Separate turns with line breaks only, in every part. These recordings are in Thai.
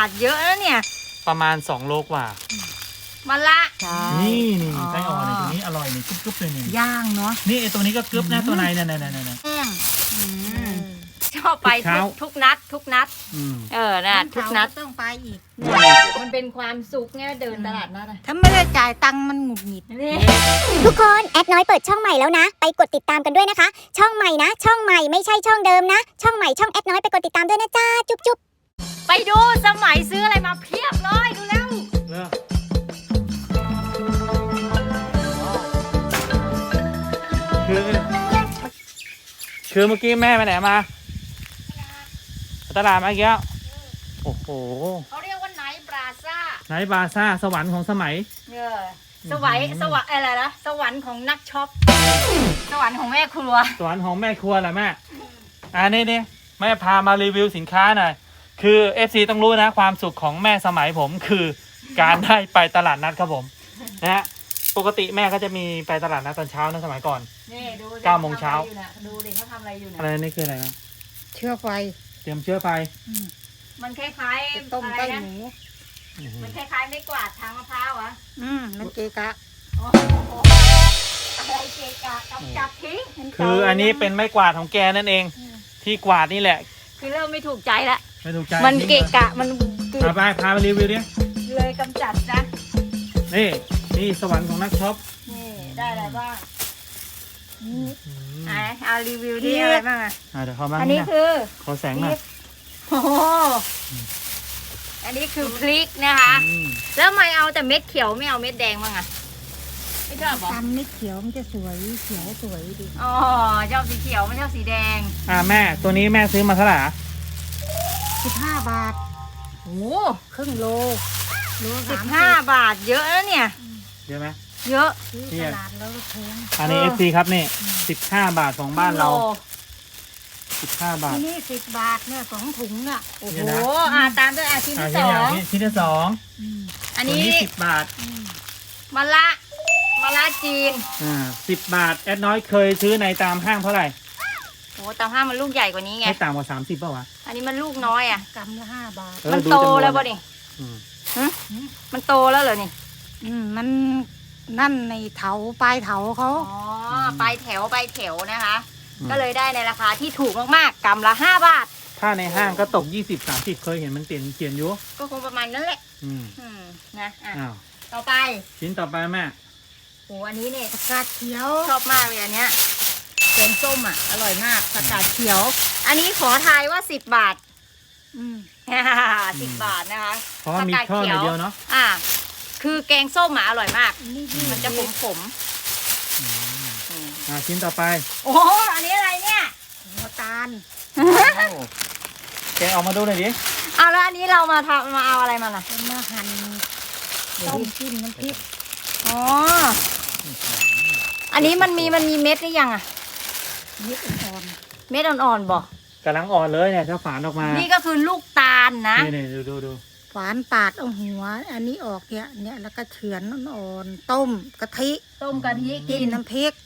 ทเยอะนะเนี่ย
ประมาณ2 โลกว่า
มาละ
นี่ไส้อ่อนตัวนี้อร่อยนี่กรึบๆเลยนี่
ย่างเนาะ
นี่ไอตัวนี้ก็กรึบนะตัวในนั่น
แห้งชอบไปทุกนัดนะทุกนัด
ต้องไปอีก
มันเป็นความสุขไงเดินตลาดนัด
ถ้าไม่ได้จ่ายตังค์มันหงุดหงิด
ทุกคนแอดน้อยเปิดช่องใหม่แล้วนะไปกดติดตามกันด้วยนะคะช่องใหม่นะช่องใหม่ไม่ใช่ช่องเดิมนะช่องใหม่ช่องแอดน้อยไปกดติดตามด้วยนะจ้าจุ๊บ
ไปดูสมัยซื้ออะไรมาเพียบเลยดูแล้ว
คือเมื่อกี้แม่ไปไหนมาตลาดมาอีกแล้วโอ้โห
เขาเรียกว่าไนท์บราซ่า
สวรรค์ของสมัย
สวรรค์อะไรนะสวรรค์ของนักช็อปสวรรค์ของแม่ครัว
สวรรค์ของแม่ครัวแหละแม่นี่แม่พามารีวิวสินค้าหน่อยคือ FC ต้องรู้นะความสุขของแม่สมัยผมคือการได้ไปตลาดนัดครับผมนะฮะปกติแม่ก็จะมีไปตลาดนัดตอนเช้านะสมัยก่อน
นี่ดู
9 โมงเช้า
ดูดิเขาทำอะไรอยู่นะ
อะไรนี่คืออะไรนะ
เชื้อไฟ
เตรียมเชื้อไฟ
มันคล้ายๆ
ต้มไก่หมู
มันคล้ายๆไม่กวาดทางมะพร้าวอ่ะ
มันเกะกะ
อะไรเกะกะกำจัดทิ้ง
คืออันนี้เป็นไม้กวาดของแกนั่นเองที่กวาดนี่แหละ
คือเริ่มไม่ถูกใจละ
ไม่ถูกใจ
มันเกะกะมัน
พาไปรีวิวดิ
เลยกำจัดนะ
นี่สวรรค์ของนักช็อป
นี่ได้อะไรบ้างเอารีวิวดิอะไรบ้าง
เดี๋ยวเขาบ้าง
อันนี้คือ
ขอแสงหน่อย
โอ้อันนี้คือพริกนะคะแล้วทำไมเอาแต่เม็ดเขียวไม่เอาเม็ดแดงบ้างอะไม่ชอบหรอ
ตำเม็ดเขียวมันจะสวยเขียวสวยดี
อ๋อชอบสีเขียวไม่ชอบสีแดง
แม่ตัวนี้แม่ซื้อมาเท่าไหร่
15 บาท
โอ้
ครึ่งโล
15 บาทเยอะนะเนี่ย
เยอะไหม
เยอะ
ตลาดแล้วแพง
อันนี้ FC ครับนี่15 บาทของบ้านเรา15 บาท
ที่นี่10 บาทเนี่ย2 ถุงน่ะ
โอ้โหตามด้วยชิ้นที่2
ชิ้นที่2
อันนี้
10 บาท
มะละจีน
10 บาทแอดน้อยเคยซื้อในตามห้างเท่าไหร่
โอ้ตามห้างมันลูกใหญ่กว่านี้ไง
ไม่ต่ำกว่า30ป่าววะ
อันนี้มันลูกน้อยอ่ะ
กำละ5 บาท
มันโตแล้วป่ะนี่มันโตแล้วเหรอนี่
มันนั่นในเถาปลายเถาเขา
ปลายแถวนะคะก็เลยได้ในราคาที่ถูกมากๆกำละ5 บาท
ถ้าในห้างก็ตก20-30เคยเห็นมันเขียนอยู่
ก็คงประมาณนั้นแหละนะต่อไป
ชิ้นต่อไปแม่
โอ้อันนี้เนี่ย
ผักกาดเขียว
ชอบมากเลยอันเนี้ยแกงส้มอร่อยมากผักกาดเขียวอันนี้ขอทายว่า10 บาท10 บาทนะคะ
เพราะมีช่อเดียวเนาะ
คือแกงส้มอร่อยมากมันจะขม
ชิ้นต่อไป
โอ้อันนี้อะไรเนี่ย
หัวตาล
แกออกมาดูหน่อยดิ
แล้วอันนี้เรามาเอาอะไรมาล่ะ
มาหั่นต้มจิ้มน้ำพริก
อันนี้มันมีเม็ดหรือยัง
เม็ดอ่อน
เม็ดอ่อนๆบอก
กำลังอ่อนเลยเนี่ยถ้าฝานออกมา
นี่ก็คือลูกตาลนะ
นี่ดู
ฝานปาดเอาหัวอันนี้ออกเนี่ยแล้วก็เฉือนอ่อนๆต้มกะทิกินน้ำพริก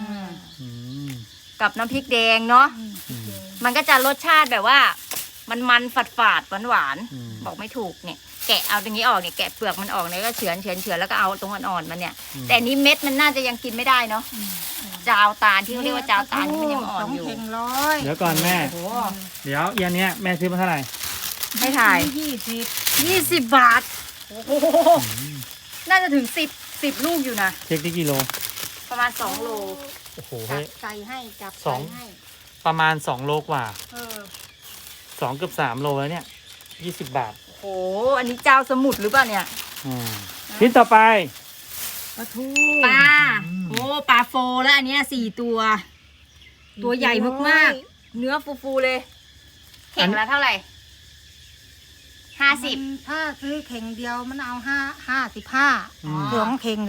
กับน้ำพริกแดงเนาะมันก็จะรสชาติแบบว่ามันฝาดหวานบอกไม่ถูกเนี่ยแกะเอาตรงนี้ออกเนี่ยแกะเปลือกมันออกเนี่ยก็เฉือนแล้วก็เอาตรงอ่อนๆมันเนี่ยแต่นี้เม็ดมันน่าจะยังกินไม่ได้เนาะจาวตาลที่เขาเรียกว่าจาวตาลมันยังอ่อนอยู่
เดี๋ยวก่อนแม่เดี๋ยวเย็นเนี้ยแม่ซื้อมาเท่าไหร่
ให้ถ่าย20 บาทโอ้โหน่าจะถึง10 ลูกอยู่นะ
เช็คที่กิโล
ประมาณ2 โล
โอ้โห
ใส่ให้จับให้
ประมาณ2 โลกว่า2 เกือบ 3 โลแล้วเนี่ย20 บาท
โอ้อันนี้เจ้าสมุทรหรือเปล่าเนี่ย
ชิ้นต่อไป
ปลาทู
ปลาโฟแล้วอันนี้4 ตัวใหญ่มากๆเนื้อฟูๆเลยเข่งละเท่าไหร่50
ถ้าซื้อเข่งเดียวมันเอา55 2 เข่ง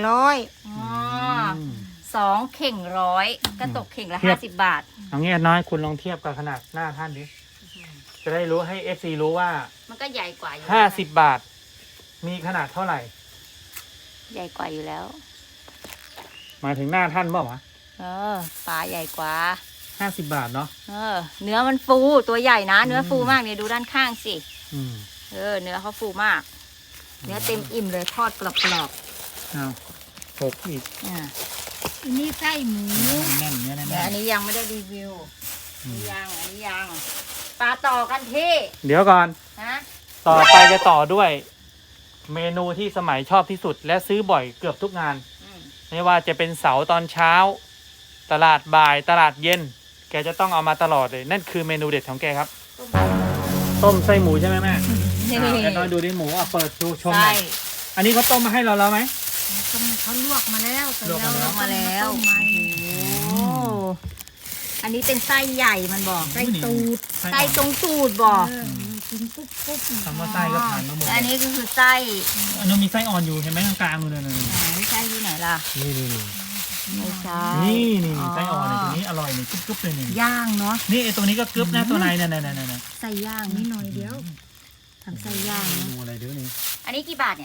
2 เข่ง100ก็ตกเข่งละ50 บาท
เอางี้น้อยคุณลองเทียบกับขนาดหน้าท่านดิจะได้รู้ให้ FC รู้ว่า
มันก็ใหญ่กว่าอยู่
50 บาทมีขนาดเท่าไหร่
ใหญ่กว่าอยู่แล้ว
หมายถึงหน้าท่านเปล่าวะ
ปลาใหญ่กว่า
50 บาทเนาะ
เนื้อมันฟูตัวใหญ่นะเนื้อฟูมากเนี่ยดูด้านข้างสิเนื้อเขาฟูมาก เนื้อเต็มอิ่มเลยทอดกรอบ
เอาหกอีก
ๆอ่า
อันนี้ไส้หมู
แน่นเนื้อแน่น
แต่อันนี้ยังไม่ได้รีวิวอันนี้ยังปลาต่อกันที่
เดี๋ยวก่อน
นะ
ต่อไปจะต่อด้วย เมนูที่สมัยชอบที่สุด และซื้อบ่อยเกือบทุกงาน
อืม
ไม่ว่าจะเป็นเสาร์ตอนเช้า ตลาดบ่ายตลาดเย็น แกจะต้องเอามาตลอดเลย นั่นคือเมนูเด็ดของแกครับ ต้มไส้หมูใช่ไหมแม่
นี่
แกต้องดูดิหมูเปิดดูชมห
ไส้
น่อยอันนี้เขาต้มมาให้เราแล้วไหม
เขาลวกมาแล้วแต่
ลวกมาแล้ว
ลงมาแล้ว
ต้มใหม่
โอ้อันนี้เป็นไส้ใหญ่มันบอก
ไส้ตูด
ไส้ตรงตูดบอก
กินปุ๊บปุ๊บ
คำว่าไส้ก็ผ่านมาหมด
และอันนี้ก็คือไส้
อันนู้นมีไส้อ่อนอยู่เห็นไหมกลางๆนู่นเลย
ไม่ใช่ที่ไหนล่ะ
นี่
ไม่ใช่
นี่ไส้อ่อนเนี่ยตัวนี้อร่อยนี่กรึบๆเลยนี่
ย่างเนาะ
นี่ไอตัวนี้ก็กรึบนะตัวในเนี่ย
ไส้ย่าง
นี่หน่อยเดียว
ทำไส้ย่างนะ
ดูอะไรเดี๋ยวนี้
อันนี้กี่บาทเนี่ย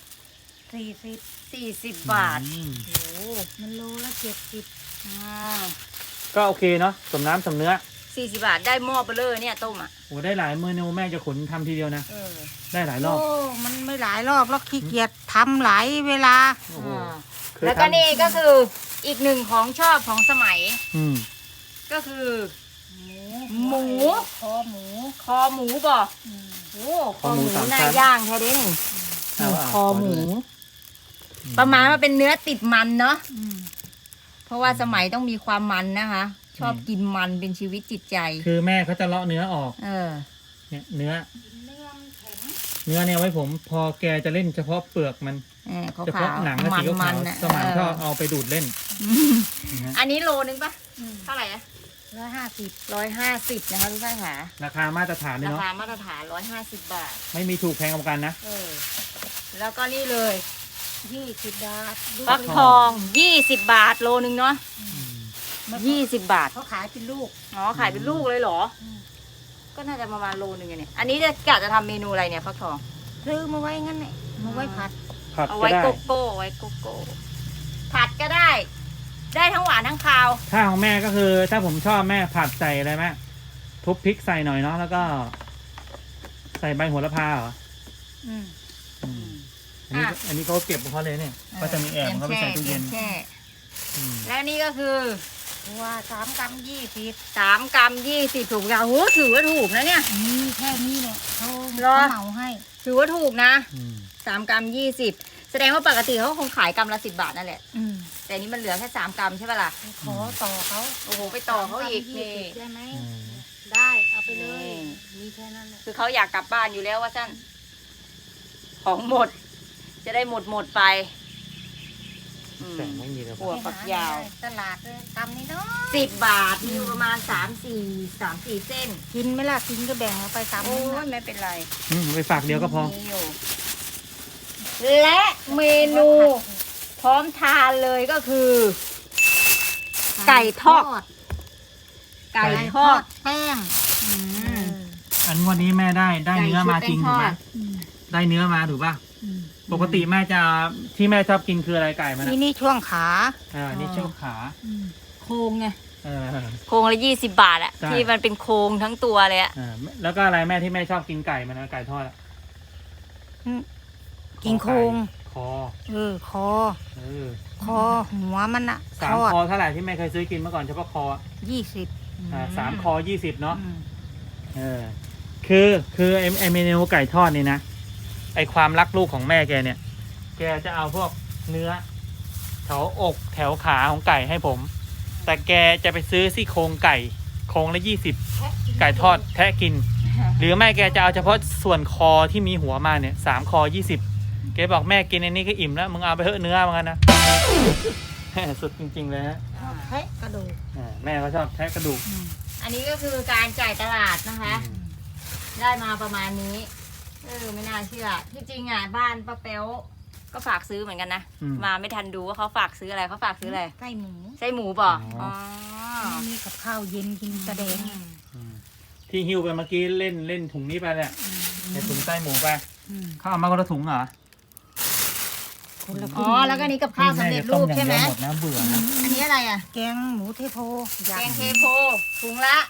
40
40 บาท โอ้
มันโลละ70
อ่า
ก็โอเคเนาะสมน้ำสมเนื้อ
40 บาทได้หม้อเบลเลอร์เนี่ยต้มอ่ะ
โอ้ได้หลายเมนูแม่จะขนทำทีเดียวนะ
เออ
ได้หลายรอบ
โอ้มันไม่หลายรอบแล้วขี้เกียจทำหลายเวลา
โอ้โห
อ่า
เคย
แล้วก็
ทำ
นี่ก็คืออีกหนึ่งของชอบของสมัย
อืม
ก็คือ
หมู
คอหมูบอกโอ้คอหมูหน้าย่างแท้เด้นี่ คอหมู ประมาณว่าเป็นเนื้อติดมันเนาะ เพราะว่าสมัยต้องมีความมันนะคะ ชอบกินมันเป็นชีวิตจิตใจ
คือแม่เขาจะเลาะเนื้อออก
เออ
เนี่ยเนื้อเนี่ยไว้ผมพอแกจะเล่นเฉพาะเปลือกมัน
เขา
เฉ
ขา
พาะ
ว
หนังและ
มั
สีขาว
มัน
ๆ
นะ
สมัยชอบเอาไปดูดเล่นนะ
อันนี้โลนึงปะเท่าไหร่อะ
150
150นะคะทุกท่านค่ะ
ราคามาตรฐานเลย
รา
เนาะ
คามาตรฐาน150 บาท
ไม่มีถูกแพงกว่ากันนะ
เออ แล้วก็นี่เลย
20 บาท
ฟักทอง20 บาทโลนึงเนาะ20 บาท
เขาขายเป็นลูก
อ๋อขายเป็นลูกเลยเหรอ ก็น่าจะประมาณโลนึงอะเนี่ย อันนี้จะกะจะทำเมนูอะไรเนี่ยฟักทอง
ซื้อมาไว้งั้นเนี่ยมาไว้ผัด
ผัด
เอา
ก็
ไว้
ได้
โกโก้ไว้โกโก้ผัดก็ได้ ได้ทั้งหวานทั้งคาว
ถ้าของแม่ก็คือ ถ้าผมชอบแม่ผัดใส่อะไรแม่ทุบพริกใส่หน่อยเนาะแล้วก็ ใส่ใบโหระพาเหรอ
อืม
อืมอันนี้เขาเก็บของเขาเลยเนี่ยก็จะมีแอบของเขาไปใส่ตู้เย็น
แช่
อืม
และนี่ก็คือ
ว่า3 กรัม 20
3 กรัม 20 ถูกยาโหถือว่าถูกนะเนี่ย
นี่แค่นี้เนี่ยเขา
เหรอ
เหมาให้
ถือว่าถูกนะ
อืม
3 กรัม 20 แสดงว่าปกติเขาคงขายกรัมละ10 บาทนั่นแหละ
อืม
แต่นี้มันเหลือแค่3 กรัมใช่ปะล่ะ
ขอต่อเขา
โอ้โห ไปต่อเขาอีก
3
นี่
20ได้ไหม
อืม
ได้เอาไปเลย
นี่
มีแค่นั้นแหละ
คือเขาอยากกลับบ้านอยู่แล้วว่าสั้นของหมด จะได้หมดไปอืม
แต่ไม่มีเลย
หัวฝักยาว
ตลาดเลยกรัมนี้เนาะ
10 บาท มีอยู่ประมาณ3-4 เส้น
กินไหมล่ะกินก็แบ่งเอาไปกรัม
โอ้
นึง
ย
นะ
ไม่เป็นไร
ไปฝากเดียวก็พอ
มีอยู่และเมนูพร้อมทานเลยก็คือ ไก่ทอด ไก่ทอด
แป้ง
อืม
อันวันนี้แม่ได้เนื้อมาจริงถูกไหม
อืม
ได้เนื้อมาถูกป่ะ
อืม
ปกติแม่จะที่แม่ชอบกินคืออะไรไก่มัน
นี่ช่วงขา
นี่ช่วงขา
โครงไง
เออ
โครงละ20 บาทอะ
ใช่
ที่มันเป็นโครงทั้งตัวเลยอะ
แล้วก็อะไรแม่ที่แม่ชอบกินไก่มันนะไก่ทอดอะ
กินโครง
คอ
คอ
เออ
คอหัวมันอะ
สา
ท
ม
อด
คอเท่าไหร่ที่แม่เคยซื้อกินเมื่อก่อนเฉพาะคอ
20
3 คอ 20เนาะ
อืม
เออคือไอเมนูไก่ทอดนี่นะไอความรักลูกของแม่แกเนี่ย แกจะเอาพวกเนื้อแถวอกแถวขาของไก่ให้ผม แต่แกจะไปซื้อซี่โครงไก่โครงละ20ไก่ทอดแทะกิน หรือไม่แกจะเอาเฉพาะส่วนคอที่มีหัวมาเนี่ย3 คอ 20แกบอกแม่กินอันนี้ก็อิ่มแล้วมึงเอาไปเถอะเนื้อมันกันนะ สุดจริงๆเลยฮะ
แทะกระดูก
แม่ก็ชอบแทะกระดูก
อันนี้ก็คือการจ่ายตลาดนะคะ ได้มาประมาณนี้ ไม่น่าเชื่อ ที่จริงอ่ะบ้านป้าเป๊วก็ฝากซื้อเหมือนกันนะ
อืม
มาไม่ทันดูว่าเขาฝากซื้ออะไรเขาฝากซื้ออะไร
ไส้หมู
ไส้หมูป่ะ
อ๋อ
มีกับข้าวเย็นกินกระเดง
ที่หิ้วไปเมื่อกี้เล่นถุงนี้ไปเนี่ยในถุงไส้หมูไป
อืม
เขาเอามาคนละถุงเหรอ
คนละ
อ๋อ แล้วก็นี่กับข้าวสำเร็จรูปใช่ไหม
แต้อย่างเดียวหมดนะเบื่อนะ
อันนี้อะไรอ่ะ
แกงหมูเทโพ
แกงเทโพถุงละ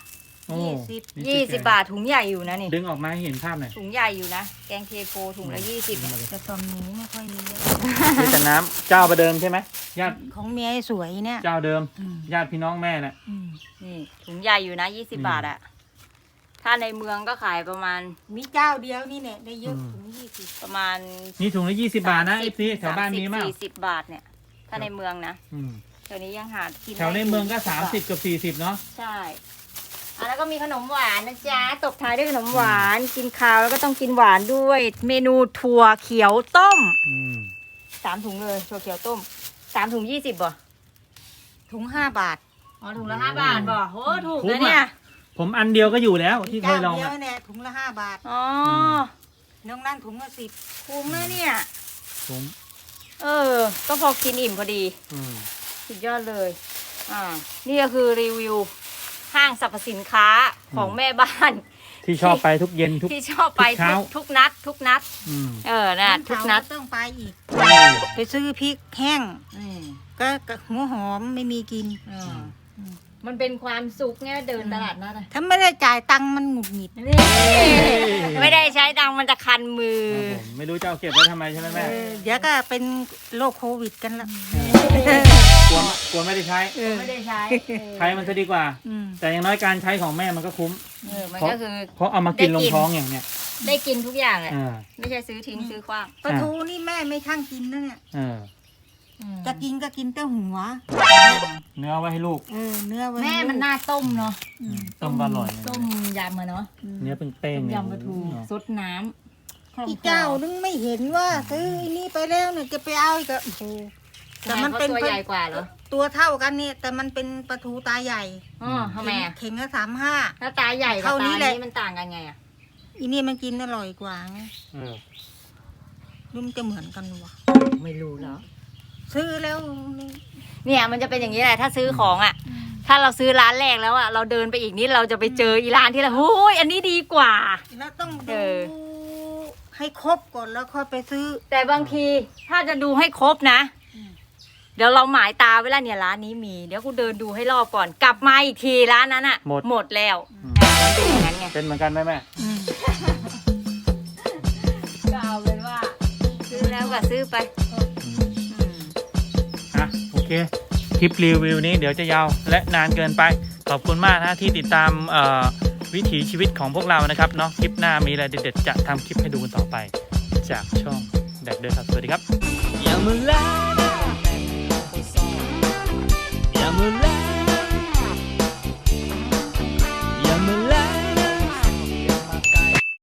โอ้
20 บาทถุงใหญ่อยู่นะนี่
ดึงออกมาให้เห็นภาพหน่อย
ถุงใหญ่อยู่นะ แกงเทโพถุงละ20
แต่ตอนนี้ไม่ค่อยมีแล้ว
นี่แต่น้ำเจ้าประเดิมใช่ไหมญาติ
ของเมียไอ้สวยเนี่ย
เจ้าเดิม
อืม
ญาติพี่น้องแม่น่ะ
อืม
นี่ถุงใหญ่อยู่นะ20 บาทอะถ้าในเมืองก็ขายประมาณ
มีเจ้าเดียวนี่เนี่ยได้เยอะ
อืม
ถึง20
ประมาณ
นี่ถุงละ20 บาทนะไอ้ซีแถวบ้านนี้มาก
40 บาทเนี่ย ถ้าในเมืองนะแถวนี้ยังหากิน
แถวในเมืองก็
ได้
30กับ40เนาะ
ใช่แล้วก็มีขนมหวานนะจ๊ะตบท้ายด้วยขนมหวานกินข้าวแล้วก็ต้องกินหวานด้วย เมนูถั่วเขียวต้ม 3 ถุงเลยถั่วเขียวต้ม3 ถุง 20บ่
ถุง5 บาท
อ๋อถุงละ5 บาทบ่โหถูกนะเนี่ย
ผมอันเดียวก็อยู่แล้วที่เคยลอง
เจ้าเดีย
อะ
วเนี่ยถุงละ5 บาท
อ๋อ
น้องนั่นถุงละ10
คุ้มนะเนี่ย
ผม
ก็พอกินอิ่มพอดี สุดยอดเลย นี่ก็คือรีวิวห้างสรรพสินค้าของแม่บ้าน
ที่ชอบไปทุกเย็นทุก
ที่ชอบไป
ทุกเช้า
ทุกนัด ทุกนัด นะทุกนัด
ต้องไปอีก ไปซื้อพริกแห้ง ก็หัวหอมไม่มีกิน
มันเป็นความสุขไงเดินตลาดนัดอะ
ถ้าไม่ได้จ่ายตังค์มันหงุดหงิด
นี่ไม่ได้ใช้ตังค์มันจะคันมือ
ครับผมไม่รู้จะเอาเก็บไว้ทำไมใช่ไหมแม่
เดี๋ยวก็เป็นโรคโควิดกันละ
กลัวไม่ได้ใช้
ไม่ได้ใช้
ใช้มันจะดีกว่า
อืม
แต่อย่างน้อยการใช้ของแม่มันก็คุ้ม
มันก็คือ
เพราะเอามากิน
ได้
ล
กิ
ง
น
ท้องอย่างเนี้ย
ได้กินทุกอย่างแหละ
อ่า
ไม่ใช่ซื้อทิ้งซื้อขว้าง
ปลาทูนี่แม่ไม่ช่างกินนะเนี่ย
อ่า
จะกินก็กินแต่หัว
เนื้อไว้ให้ลูก
เนื้อไว้
แม่มันน่าต้มเนาะ
ต้มอร่อย
ต้มยำอะเนาะ
เนื้อเป็นเป้ง
ต้ม
เนี่ย
ยำปลาทู
เนอะ
ซดน้ำ
อีเจ้านึงไม่เห็นว่าซื้อไอ้นี่ไปแล้วเนี่ยจะไปเอาอีกอะโอ้โหแต่มันเป็น
ตัวใหญ่กว่าเหรอ
ตัวเท่ากันเนี่ยแต่มันเป็นปลาทูตาใหญ่
อ๋อทำไมอะ
เข่งละ35
ถ้าตาใหญ่กับ
เท่านี้
ตา
แหละ
นี้มันต่างกันไงอะ
อีนี่มันกินอร่อยกว่าไง
เออ
รุ่มนจะเหมือนกันวะ
ไม่รู้แล้ว
ซื้อแล้ว
เนี่ยมันจะเป็นอย่างนี้แหละถ้าซื้อของอ่ะ ถ้าเราซื้อร้านแรกแล้วอ่ะเราเดินไปอีกนิดเราจะไปเจออีร้านที่เราโอ้ยอันนี้ดีกว่า
แล้วต้อง
เอ
ดู
อ
ให้ครบก่อนแล้วค่อยไปซื้อ
แต่บางทีถ้าจะดูให้ครบนะ เดี๋ยวเราหมายตาไว้แล้วเนี่ยร้านนี้มี เดี๋ยวกูเดินดูให้รอบก่อน กลับมาอีกทีร้านนั้นอ่ะ หมดแล้วมันเป็นอย่างนั้นไง
เป็นเหมือนกันไหมแม่
ก็เอาเป็นว่า ซื้อแล้วก็ซื้อไป
โอเค คลิปรีวิวนี้เดี๋ยวจะยาวและนานเกินไป ขอบคุณมากนะที่ติดตามวิถีชีวิตของพวกเรานะครับเนาะคลิปหน้ามีอะไรเด็ดๆจะทำคลิปให้ดูกันต่อไป จากช่องแดกเดอร์ครับ สวัสดีครับ
อย่ามาแล้ว